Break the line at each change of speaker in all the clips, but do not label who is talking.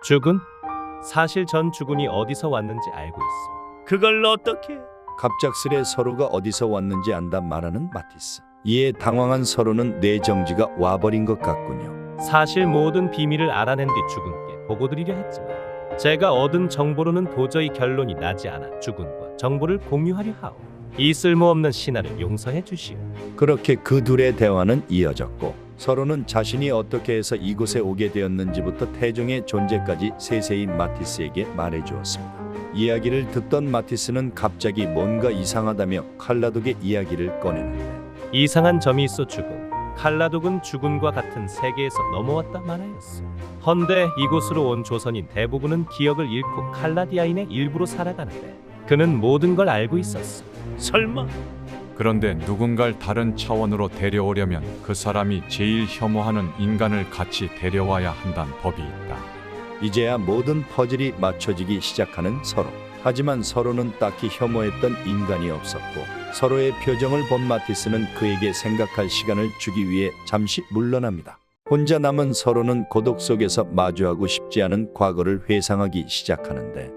주군? 사실 전 주군이 어디서 왔는지 알고 있어.
그걸 어떻게?
갑작스레 서로가 어디서 왔는지 안다 말하는 마티스. 이에 당황한 서로는 뇌정지가 와버린 것 같군요.
사실 모든 비밀을 알아낸 뒤 주군께 보고드리려 했지만 제가 얻은 정보로는 도저히 결론이 나지 않아 주군과 정보를 공유하려 하오. 이 쓸모없는 신하를 용서해 주시오.
그렇게 그 둘의 대화는 이어졌고 서로는 자신이 어떻게 해서 이곳에 오게 되었는지부터 태종의 존재까지 세세히 마티스에게 말해주었습니다. 이야기를 듣던 마티스는 갑자기 뭔가 이상하다며 칼라독의 이야기를 꺼내는데
이상한 점이 있어 주군. 칼라독은 주군과 같은 세계에서 넘어왔다 말하였어. 헌데 이곳으로 온 조선인 대부분은 기억을 잃고 칼라디아인의 일부로 살아가는데 그는 모든 걸 알고 있었어.
설마?
그런데 누군가를 다른 차원으로 데려오려면 그 사람이 제일 혐오하는 인간을 같이 데려와야 한다는 법이 있다.
이제야 모든 퍼즐이 맞춰지기 시작하는 서로. 하지만 서로는 딱히 혐오했던 인간이 없었고 서로의 표정을 본 마티스는 그에게 생각할 시간을 주기 위해 잠시 물러납니다. 혼자 남은 서로는 고독 속에서 마주하고 싶지 않은 과거를 회상하기 시작하는데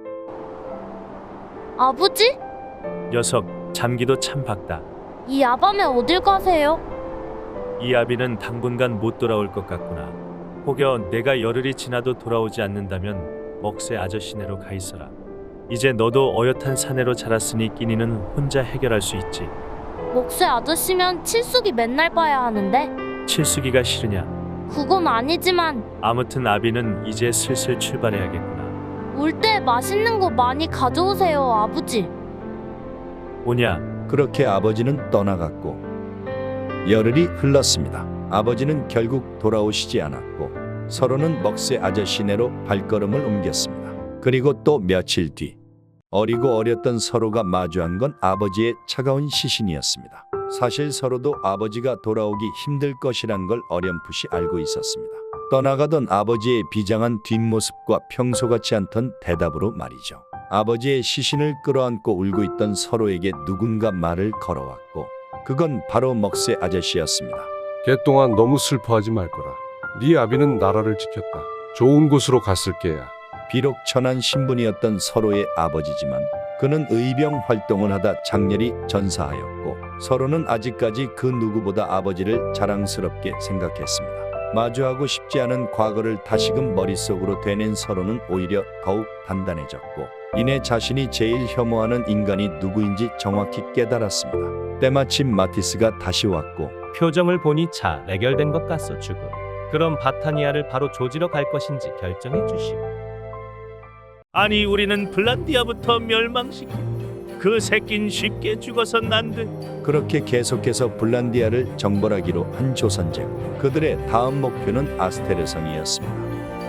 아버지?
녀석 잠기도 참 박다.
이 야밤에 어딜 가세요?
이 아비는 당분간 못 돌아올 것 같구나. 혹여 내가 열흘이 지나도 돌아오지 않는다면 먹새 아저씨네로 가 있어라. 이제 너도 어엿한 사내로 자랐으니 끼니는 혼자 해결할 수 있지.
목새 아저씨면 칠숙이 맨날 봐야 하는데
칠수기가 싫으냐?
그건 아니지만
아무튼 아비는 이제 슬슬 출발해야겠구나.
올 때 맛있는 거 많이 가져오세요, 아버지.
오냐?
그렇게 아버지는 떠나갔고 열흘이 흘렀습니다. 아버지는 결국 돌아오시지 않았고 서로는 먹새 아저씨네로 발걸음을 옮겼습니다. 그리고 또 며칠 뒤 어리고 어렸던 서로가 마주한 건 아버지의 차가운 시신이었습니다. 사실 서로도 아버지가 돌아오기 힘들 것이란 걸 어렴풋이 알고 있었습니다. 떠나가던 아버지의 비장한 뒷모습과 평소 같지 않던 대답으로 말이죠. 아버지의 시신을 끌어안고 울고 있던 서로에게 누군가 말을 걸어왔고 그건 바로 먹새 아저씨였습니다.
걔 동안 너무 슬퍼하지 말거라. 네 아비는 나라를 지켰다. 좋은 곳으로 갔을 게야.
비록 천한 신분이었던 서로의 아버지지만 그는 의병 활동을 하다 장렬히 전사하였고 서로는 아직까지 그 누구보다 아버지를 자랑스럽게 생각했습니다. 마주하고 싶지 않은 과거를 다시금 머릿속으로 되낸 서로는 오히려 더욱 단단해졌고 이내 자신이 제일 혐오하는 인간이 누구인지 정확히 깨달았습니다. 때마침 마티스가 다시 왔고
표정을 보니 잘 해결된 것 같소 주군. 그럼 바타니아를 바로 조지러 갈 것인지 결정해 주시오.
아니 우리는 블란디아부터 멸망시켜. 그 새낀 쉽게 죽어선 안 돼.
그렇게 계속해서 블란디아를 정벌하기로 한 조선 제국. 그들의 다음 목표는 아스테르성이었습니다.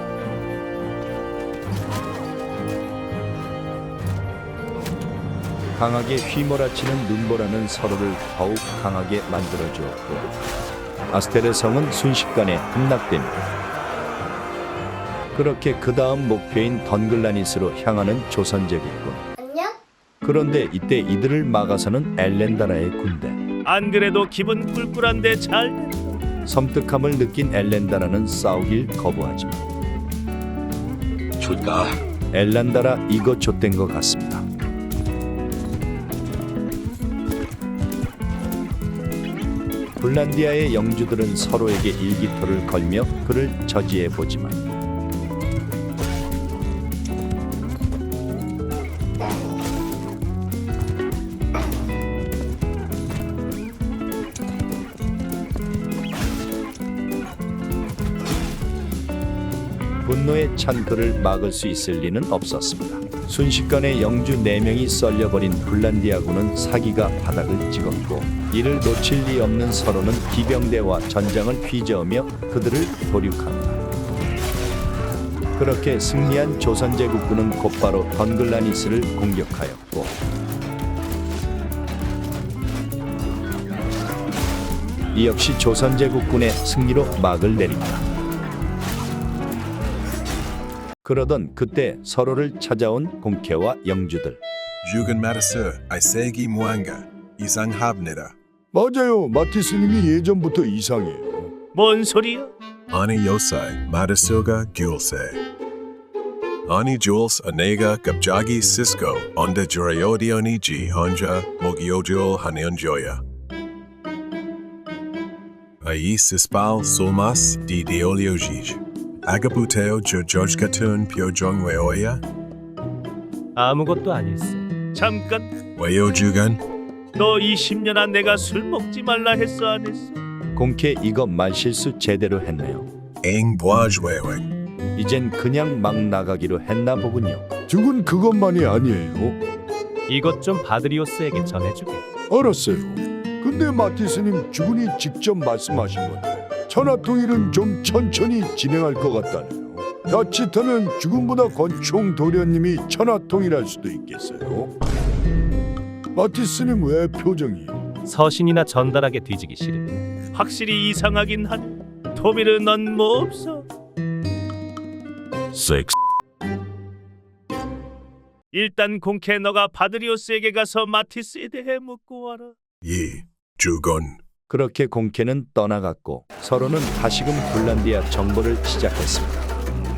강하게 휘몰아치는 눈보라는 서로를 더욱 강하게 만들어주었고 아스테르성은 순식간에 함락됩니다. 그렇게 그 다음 목표인 던글라니스로 향하는 조선 제국군.
안녕?
그런데 이때 이들을 막아서는 엘렌다라의 군대.
안 그래도 기분 꿀꿀한데 잘 됐다.
섬뜩함을 느낀 엘렌다라는 싸우길 거부하지만
줄까?
엘렌다라 이거 좆된 것 같습니다. 블란디아의 영주들은 서로에게 일기토를 걸며 그를 저지해보지만 분노에 찬 그를 막을 수 있을 리는 없었습니다. 순식간에 영주 4명이 썰려버린 블란디아군은 사기가 바닥을 찍었고 이를 놓칠 리 없는 서로는 기병대와 전장을 휘저으며 그들을 도륙합니다. 그렇게 승리한 조선 제국군은 곧바로 던글라니스를 공격하였고 이 역시 조선 제국군의 승리로 막을 내립니다. 그러던 그때 서로를 찾아온 공캐와 영주들.
Jugan Matisur, Isegi Muanga, 이상합니다.
맞아요. 마티스님이 예전부터 이상해요.
뭔 소리야?
아니 요사이, 마티수가 귤세. Ani Jules Anega Gabjagi Cisco Onda Jurayodioni G Honja Mogiojul Hanionjoya. Aí Sispal Sulmas Di Deoliojij. Agabuteo Jojkatun Pyojong Weoya.
아무것도 아닐세.
잠깐,
Weojugan.
너 20년 안 내가 술 먹지 말라 했어 안 했어?
공캐 이거 말실수 제대로 했네요.
Eng Boaj Wewing.
이젠 그냥 막 나가기로 했나 보군요.
죽은 그것만이 아니에요.
이것 좀 바드리오스에게 전해주게.
알았어요. 근데 마티스님 주군이 직접 말씀하신 건데 천하통일은 좀 천천히 진행할 것 같다네요. 자칫하면 주군보다 권총 도련님이 천하통일할 수도 있겠어요. 마티스님 왜 표정이?
서신이나 전달하게 뒤지기 싫으니.
확실히 이상하긴 하네. 토미르 넌 뭐 없어? 일단 공캐 너가 바드리오스에게 가서 마티스에 대해 묻고 와라.
Yi. Jugon.
그렇게 공캐는 떠나갔고 서로는 다시금 불란디아 정보를 시작했습니다.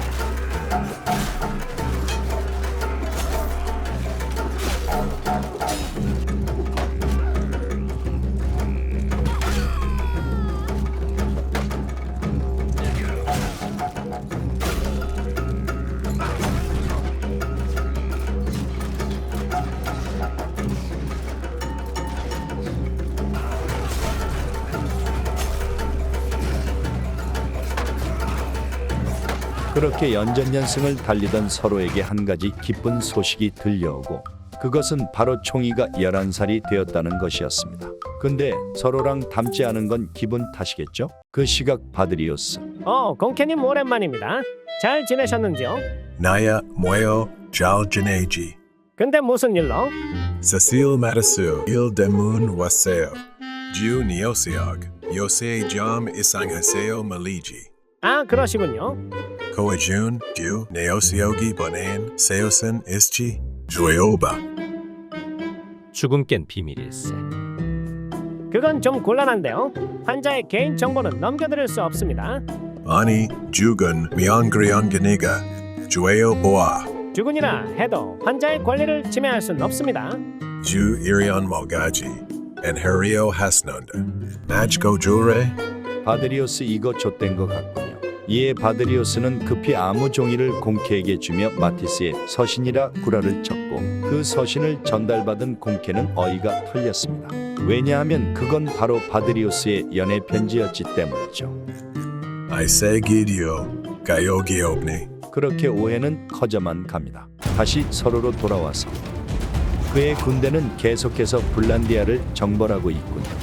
그렇게 연전연승을 달리던 서로에게 한 가지 기쁜 소식이 들려오고 그것은 바로 총이가 11살이 되었다는 것이었습니다. 근데 서로랑 닮지 않은 건 기분 탓이겠죠? 그 시각 바드리오스.
공캐님 오랜만입니다. 잘 지내셨는지요?
Naya Mueo Jal Janeji.
근데 무슨 일로?
Cecile Matasu Il Demun Waseo. Ju Neosiog. Yose Jam Isang Haseo Maliji.
아, 그러시군요.
Koajun Ju Neosiogi Bonan Seosen Ischi. Jueoba.
죽음 깬 비밀일세.
그건 좀 곤란한데요. 환자의 개인 정보는 넘겨드릴 수 없습니다.
Ani Jugun Myongryonganiga. Jueo Boa.
주군이라 해도 환자의 권리를 침해할 수는 없습니다.
Ju Irion Mogaji. And Hario Hasnunda. Majko Jure.
바드리오스 이거 좆된 것 같군요. 이에 바드리오스는 급히 아무 종이를 공캐에게 주며 마티스의 서신이라 구라를 쳤고 그 서신을 전달받은 공캐는 어이가 털렸습니다. 왜냐하면 그건 바로 바드리오스의 연애 편지였기 때문이죠.
I say Gidio. Gayogi Obni.
그렇게 오해는 커져만 갑니다. 다시 서로로 돌아와서 그의 군대는 계속해서 불란디아를 정벌하고 있군요.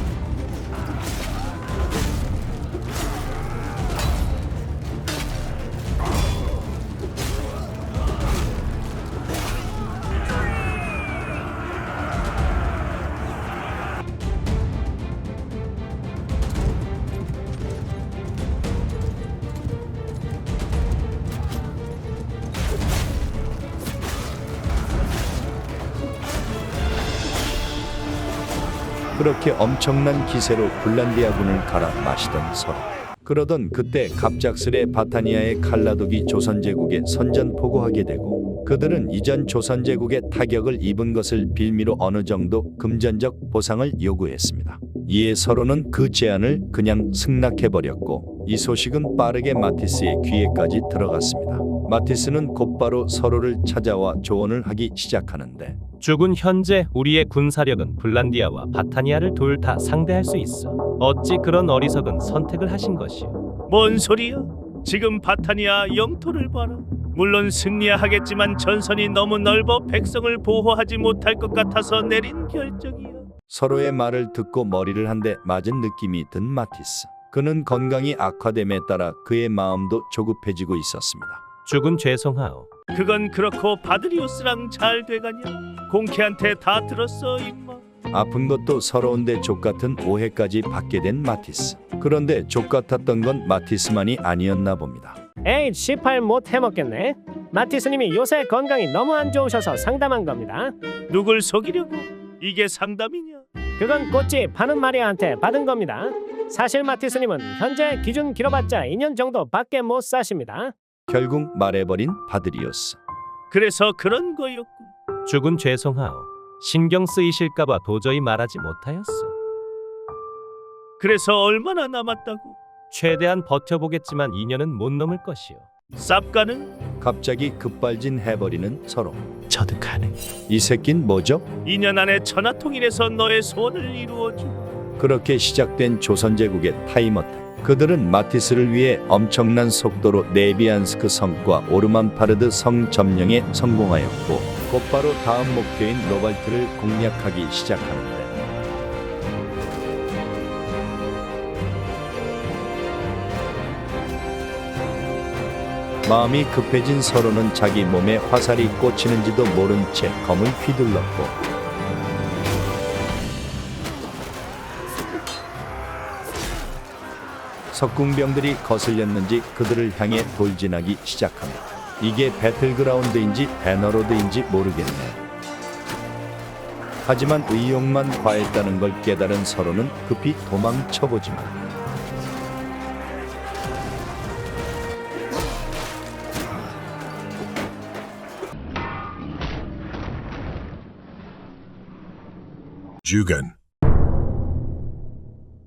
그렇게 엄청난 기세로 불란디아군을 갈아 마시던 서로. 그러던 그때 갑작스레 바타니아의 칼라독이 조선제국에 선전포고하게 되고 그들은 이전 조선제국의 타격을 입은 것을 빌미로 어느 정도 금전적 보상을 요구했습니다. 이에 서로는 그 제안을 그냥 승낙해버렸고 이 소식은 빠르게 마티스의 귀에까지 들어갔습니다. 마티스는 곧바로 서로를 찾아와 조언을 하기 시작하는데
죽은 현재 우리의 군사력은 불란디아와 바타니아를 둘 다 상대할 수 있어. 어찌 그런 어리석은 선택을 하신 것이오?
뭔 소리야? 지금 바타니아 영토를 봐라. 물론 승리야 하겠지만 전선이 너무 넓어 백성을 보호하지 못할 것 같아서 내린 결정이야.
서로의 말을 듣고 머리를 한 대 맞은 느낌이 든 마티스. 그는 건강이 악화됨에 따라 그의 마음도 조급해지고 있었습니다.
죽은 죄송하오.
그건 그렇고 바드리오스랑 잘 돼가냐? 공캐한테 다 들었어 임마.
아픈 것도 서러운데 족같은 오해까지 받게 된 마티스. 그런데 족같았던 건 마티스만이 아니었나 봅니다.
에이, 18 못 해먹겠네. 마티스님이 요새 건강이 너무 안 좋으셔서 상담한 겁니다.
누굴 속이려고? 이게 상담이냐?
그건 꽃집 파는 마리아한테 받은 겁니다. 사실 마티스님은 현재 기준 길어봤자 2년 정도밖에 못 사십니다.
결국 말해버린 바들이었어.
그래서 그런 거였군.
죽은 죄송하오. 신경 쓰이실까봐 도저히 말하지 못하였어.
그래서 얼마나 남았다고?
최대한 버텨보겠지만 2년은 못 넘을 것이오.
쌉가는
갑자기 급발진 해버리는 서로.
저도 가능.
이 새낀 뭐죠?
2년 안에 천하통일해서 너의 소원을 이루어주.
그렇게 시작된 조선제국의 타임어택. 그들은 마티스를 위해 엄청난 속도로 네비안스크 성과 오르만파르드 성 점령에 성공하였고 곧바로 다음 목표인 로발트를 공략하기 시작하는데 마음이 급해진 서로는 자기 몸에 화살이 꽂히는지도 모른 채 검을 휘둘렀고 석궁병들이 거슬렸는지 그들을 향해 돌진하기 시작합니다. 이게 배틀그라운드인지 배너로드인지 모르겠네. 하지만 의욕만 과했다는 걸 깨달은 서로는 급히 도망쳐보지만
Jugan.